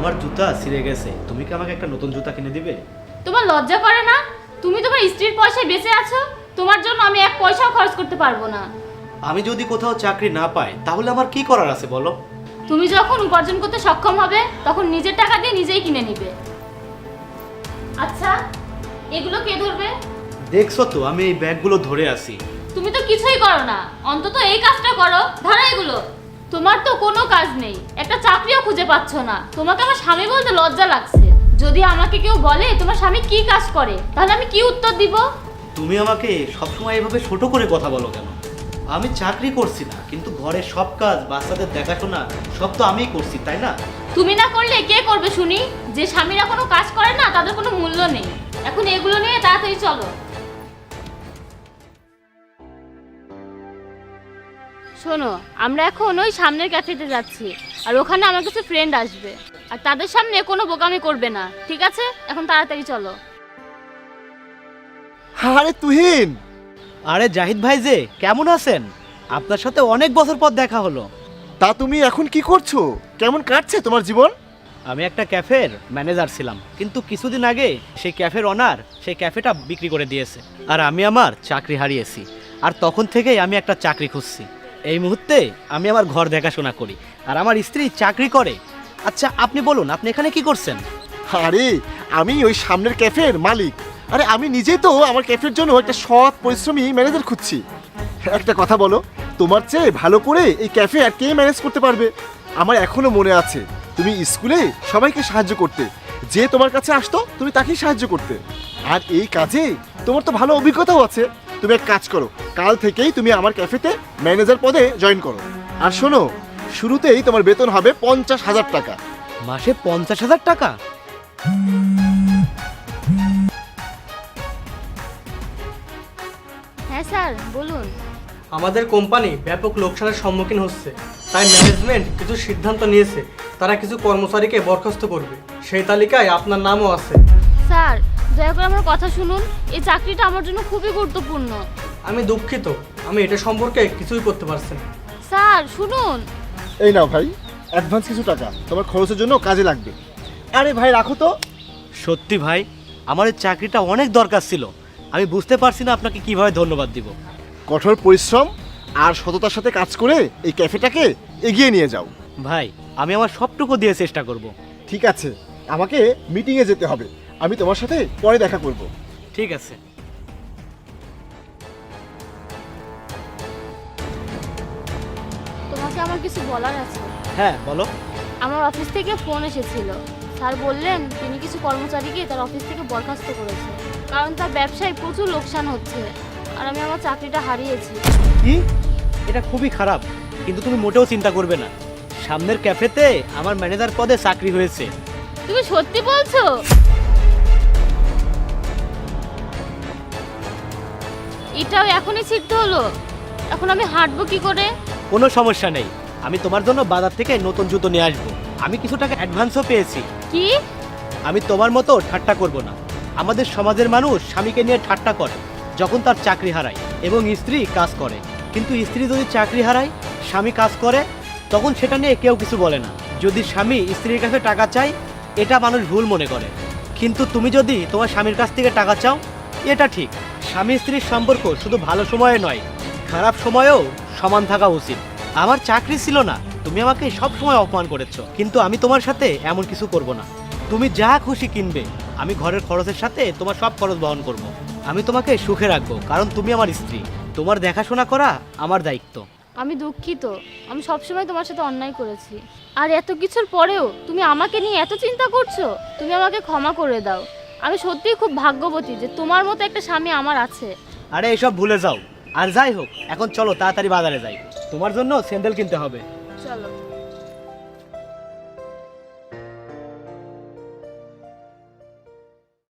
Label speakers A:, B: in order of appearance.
A: আমার জুতা ছিঁড়ে গেছে, তুমি কি আমাকে একটা নতুন জুতা কিনে দিবে?
B: তোমার লজ্জা করে না? তুমি তোমার স্ত্রীর পয়সায় বেঁচে আছো, তোমার জন্য আমি এক পয়সাও খরচ করতে পারবো না।
A: আমি যদি কোথাও চাকরি না পাই তাহলে আমার কি করার আছে বলো?
B: তুমি যখন উপার্জন করতে সক্ষম হবে তখন নিজের টাকা দিয়ে নিজেই কিনে নিবে। আচ্ছা, এগুলো কে ধরবে?
A: দেখছো তো আমি এই ব্যাগগুলো ধরে আছি।
B: তুমি তো কিছুই করো না, অন্তত এই কাজটা করো, ধরো এগুলো। তোমার তো কোনো কাজ নেই, একটা চাকরিও খুঁজে পাচ্ছ না, তোমাকে আমার স্বামী বলতে লজ্জা লাগছে। যদি আমাকে কেউ বলে তোমার স্বামী কি কাজ করে, তাহলে আমি কি উত্তর দিব?
A: তুমি আমাকে সবসময় এভাবে ছোট করে কথা বলো কেন? আমি চাকরি করছি না, কিন্তু ঘরের সব কাজ, বাচ্চাদের দেখাশোনা সব তো আমিই করছি, তাই না?
B: তুমি না করলে কে করবে শুনি? যে স্বামীরা কোনো কাজ করে না তাদের কোনো মূল্য নেই। এখন এগুলো নিয়ে তাড়াতাড়ি চলো। শোনো, আমরা এখন ওই সামনের ক্যাফেতে যাচ্ছি, আর ওখানে আমার কিছু ফ্রেন্ড আসবে, আর তাদের সামনে কোনো বোকামি করবে না, ঠিক আছে? এখন তাড়াতাড়ি চলো।
C: আরে তুহিন,
A: আরে জাহিদ ভাই যে, কেমন আছেন? আপনার সাথে অনেক বছর পর দেখা হলো।
C: তা তুমি এখন কি করছো? কেমন কাটছে তোমার জীবন?
A: আমি একটা ক্যাফের ম্যানেজার ছিলাম, কিন্তু কিছুদিন আগে সেই ক্যাফের ওনার সেই ক্যাফেটা বিক্রি করে দিয়েছে, আর আমি আমার চাকরি হারিয়েছি। আর তখন থেকেই আমি একটা চাকরি খুঁজছি। এই মুহূর্তে আমি আমার ঘর দেখাশোনা করি, আর আমার স্ত্রী চাকরি করে। আচ্ছা আপনি বলুন, আপনি এখানে কি করছেন?
C: আরে আমি ওই সামনের ক্যাফের মালিক। আরে আমি নিজেই তো আমার ক্যাফের জন্য একটা সৎ পরিশ্রমী ম্যানেজার খুঁজছি। একটা কথা বলো, তোমার চেয়ে ভালো করে এই ক্যাফে আর কে ম্যানেজ করতে পারবে? আমার এখনো মনে আছে তুমি স্কুলে সবাইকে সাহায্য করতে, যে তোমার কাছে আসতো তুমি তাকেই সাহায্য করতে। আর এই কাজে তোমার তো ভালো অভিজ্ঞতাও আছে। তুমি এক কাজ করো, কাল থেকেই তুমি আমার ক্যাফেতে ম্যানেজার পদে জয়েন করো। আর শোনো, শুরুতেই তোমার বেতন হবে 50,000 টাকা।
A: মাসে 50,000 টাকা?
B: হ্যাঁ স্যার, বলুন।
D: আমাদের কোম্পানি ব্যাপক লোকসানের সম্মুখীন হচ্ছে, তাই ম্যানেজমেন্ট কিছু সিদ্ধান্ত নিয়েছে, তারা কিছু কর্মচারীকে বরখাস্ত করবে। সেই তালিকায় আপনার নামও আছে।
B: স্যার, দয়া করে আমার কথা শুনুন, এই চাকরিটা আমার জন্য খুবই গুরুত্বপূর্ণ।
D: আমি দুঃখিত, আমি এটা সম্পর্কে কিছুই করতে পারছি না।
B: স্যার শুনুন।
C: এই নাও ভাই, অ্যাডভান্স কিছু টাকা, তোমার খরচের জন্য কাজে লাগবে। আরে ভাই রাখো তো।
A: সত্যি ভাই, আমার এই চাকরিটা অনেক দরকার ছিল। আমি বুঝতে পারছি না আপনাকে কিভাবে ধন্যবাদ দিব।
C: কঠোর পরিশ্রম আর সততার সাথে কাজ করে এই ক্যাফেটাকে এগিয়ে নিয়ে যাও।
A: ভাই, আমি আমার সবটুকু দিয়ে চেষ্টা করব।
C: ঠিক আছে, আমাকে মিটিংয়ে যেতে হবে, আমি তোমার সাথে পরে দেখা করব।
A: ঠিক আছে।
B: তোমাকে আমার কিছু বলার আছে।
A: হ্যাঁ বলো।
B: আমার অফিস থেকে ফোন এসেছিল। স্যার বললেন তিনি কিছু কর্মচারীকে তার অফিস থেকে বরখাস্ত করেছে, কারণ তার ব্যবসায় প্রচুর লোকসান হচ্ছে, আর আমি আমার চাকরিটা হারিয়েছি।
A: কি? এটা খুবই খারাপ, কিন্তু তুমি মোটেও চিন্তা করবে না। সামনের ক্যাফেতে আমার ম্যানেজার পদে চাকরি হয়েছে।
B: তুমি সত্যি বলছো? এটাও এখনই সিদ্ধ হলো? এখন আমি হাঁটবো কি করে?
A: কোনো সমস্যা নেই, আমি তোমার জন্য বাজার থেকে নতুন জুতো নিয়ে আসবো। আমি কিছু টাকা অ্যাডভান্সও পেয়েছি।
B: কি?
A: আমি তোমার মতো ঠাট্টা করব না। আমাদের সমাজের মানুষ স্বামীকে নিয়ে ঠাট্টা করে যখন তার চাকরি হারায় এবং স্ত্রী কাজ করে, কিন্তু স্ত্রী যদি চাকরি হারায়, স্বামী কাজ করে, তখন সেটা নিয়ে কেউ কিছু বলে না। যদি স্বামী স্ত্রীর কাছে টাকা চায়, এটা মানুষ ভুল মনে করে, কিন্তু তুমি যদি তোমার স্বামীর কাছ থেকে টাকা চাও, এটা ঠিক। স্বামী স্ত্রীর সম্পর্ক শুধু ভালো সময়ে নয়, খারাপ সময়েও সমান থাকা উচিত। আমার চাকরি ছিল না, তুমি আমাকে সব সময় অপমান করেছো, কিন্তু আমি তোমার সাথে এমন কিছু করব না। তুমি যা খুশি কিনবে, আমি ঘরের খরচের সাথে তোমার সব খরচ বহন করব। আমি তোমাকে সুখে রাখবো, কারণ তুমি আমার স্ত্রী। তোমার দেখাশোনা করা আমার দায়িত্ব।
B: আমি দুঃখিত, আমি সবসময় তোমার সাথে অন্যায় করেছি, আর এত কিছুর পরেও তুমি আমাকে নিয়ে এত চিন্তা করছো। তুমি আমাকে ক্ষমা করে দাও। আমি সত্যিই খুব ভাগ্যবতী যে তোমার মতো একটা স্বামী আমার আছে।
A: আরে এসব ভুলে যাও। আর যাই হোক, এখন চলো তাড়াতাড়ি বাজারে যাই, তোমার জন্য স্যান্ডেল কিনতে হবে।
B: চলো।